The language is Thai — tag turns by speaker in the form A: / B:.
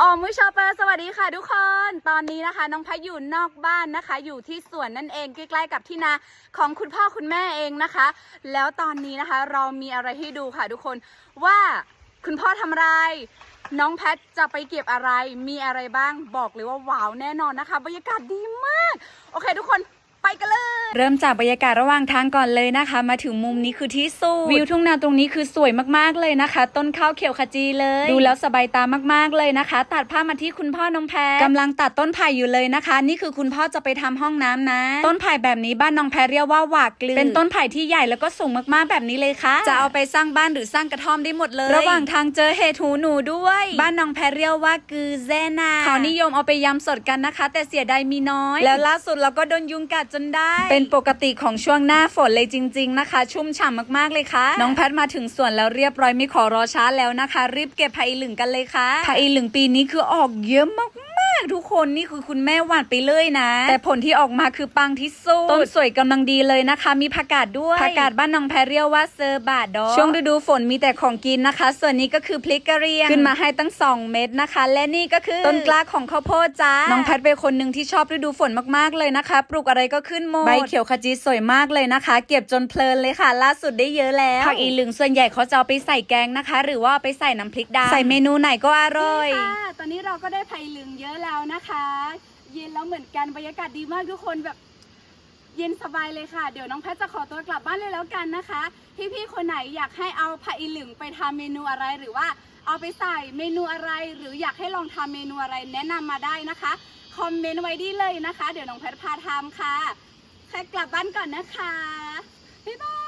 A: มุชอเปอร์สวัสดีค่ะทุกคนตอนนี้นะคะน้องพัดอยู่นอกบ้านนะคะอยู่ที่สวนนั่นเองใกล้ๆกับที่นาของคุณพ่อคุณแม่เองนะคะแล้วตอนนี้นะคะเรามีอะไรให้ดูค่ะทุกคนว่าคุณพ่อทำอะไรน้องแพทจะไปเก็บอะไรมีอะไรบ้างบอกเลยว่าว้าวแน่นอนนะคะบรรยากาศดีมากโอเคทุกคนไปกันเลยเริ่มจากบรรยากาศระหว่างทางก่อนเลยนะคะมาถึงมุมนี้คือที่สุดวิวทุ่งนาตรงนี้คือสวยมากๆเลยนะคะต้นข้าวเขียวขจีเลยดูแล้วสบายตามากๆเลยนะคะตัดภาพมาที่คุณพ่อน้องแพทกำลังตัดต้นไผ่อยู่เลยนะคะนี่คือคุณพ่อจะไปทำห้องน้ำนะต้นไผ่แบบนี้บ้านน้องแพทเรียกว่าหวากกลือเป็นต้นไผ่ที่ใหญ่แล้วก็สูงมากๆแบบนี้เลยค่ะจะเอาไปสร้างบ้านหรือสร้างกระท่อมได้หมดเลยระหว่างทางเจอเห็ดหูหนูด้วยบ้านน้องแพทเรียกว่ากือแซนาเขานิยมเอาไปยำสดกันนะคะแต่เสียดายมีน้อยแล้วล่าสุดเราก็โดนยุงกัดจนได้เป็นปกติของช่วงหน้าฝนเลยจริงๆนะคะชุ่มฉ่ำมากๆเลยค่ะน้องแพทมาถึงสวนแล้วเรียบร้อยไม่ขอรอช้าแล้วนะคะรีบเก็บไผ่หลึงกันเลยค่ะไผ่หลึงปีนี้คือออกเยอะมากทุกคนนี่คือคุณแม่หวานไปเลยนะแต่ผลที่ออกมาคือปังที่สุดต้นสวยกำลังดีเลยนะคะมีผักกาดด้วยผักกาดบ้านน้องแพรเรียกว่าเซอร์บาดดอกช่วงฤดูฝนมีแต่ของกินนะคะส่วนนี้ก็คือพริกกระเรียงขึ้นมาให้ตั้ง2เม็ดนะคะและนี่ก็คือต้นกล้าของข้าวโพดจ้าน้องแพทเป็นคนหนึ่งที่ชอบฤดูฝนมากๆเลยนะคะปลูกอะไรก็ขึ้นหมดใบเขียวขจีสวยมากเลยนะคะเก็บจนเพลินเลยค่ะล่าสุดได้เยอะแล้วผักอีหลึงส่วนใหญ่เขาจะเอาไปใส่แกงนะคะหรือว่าไปใส่น้ำพริกดำใส่เมนูไหนก็อร่อยค่ะตอนนี้เราก็ได้ไผ่เหลืองเยอะแล้วนะคะเย็นแล้วเหมือนกันบรรยากาศดีมากทุกคนแบบเย็นสบายเลยค่ะเดี๋ยวน้องแพทจะขอตัวกลับบ้านเลยแล้วกันนะคะพี่ๆคนไหนอยากให้เอาไผ่เหลืองไปทำเมนูอะไรหรือว่าเอาไปใส่เมนูอะไรหรืออยากให้ลองทำเมนูอะไรแนะนำมาได้นะคะคอมเมนต์ไว้ดีเลยนะคะเดี๋ยวน้องแพทพาทำค่ะแค่กลับบ้านก่อนนะคะบ๊ายบาย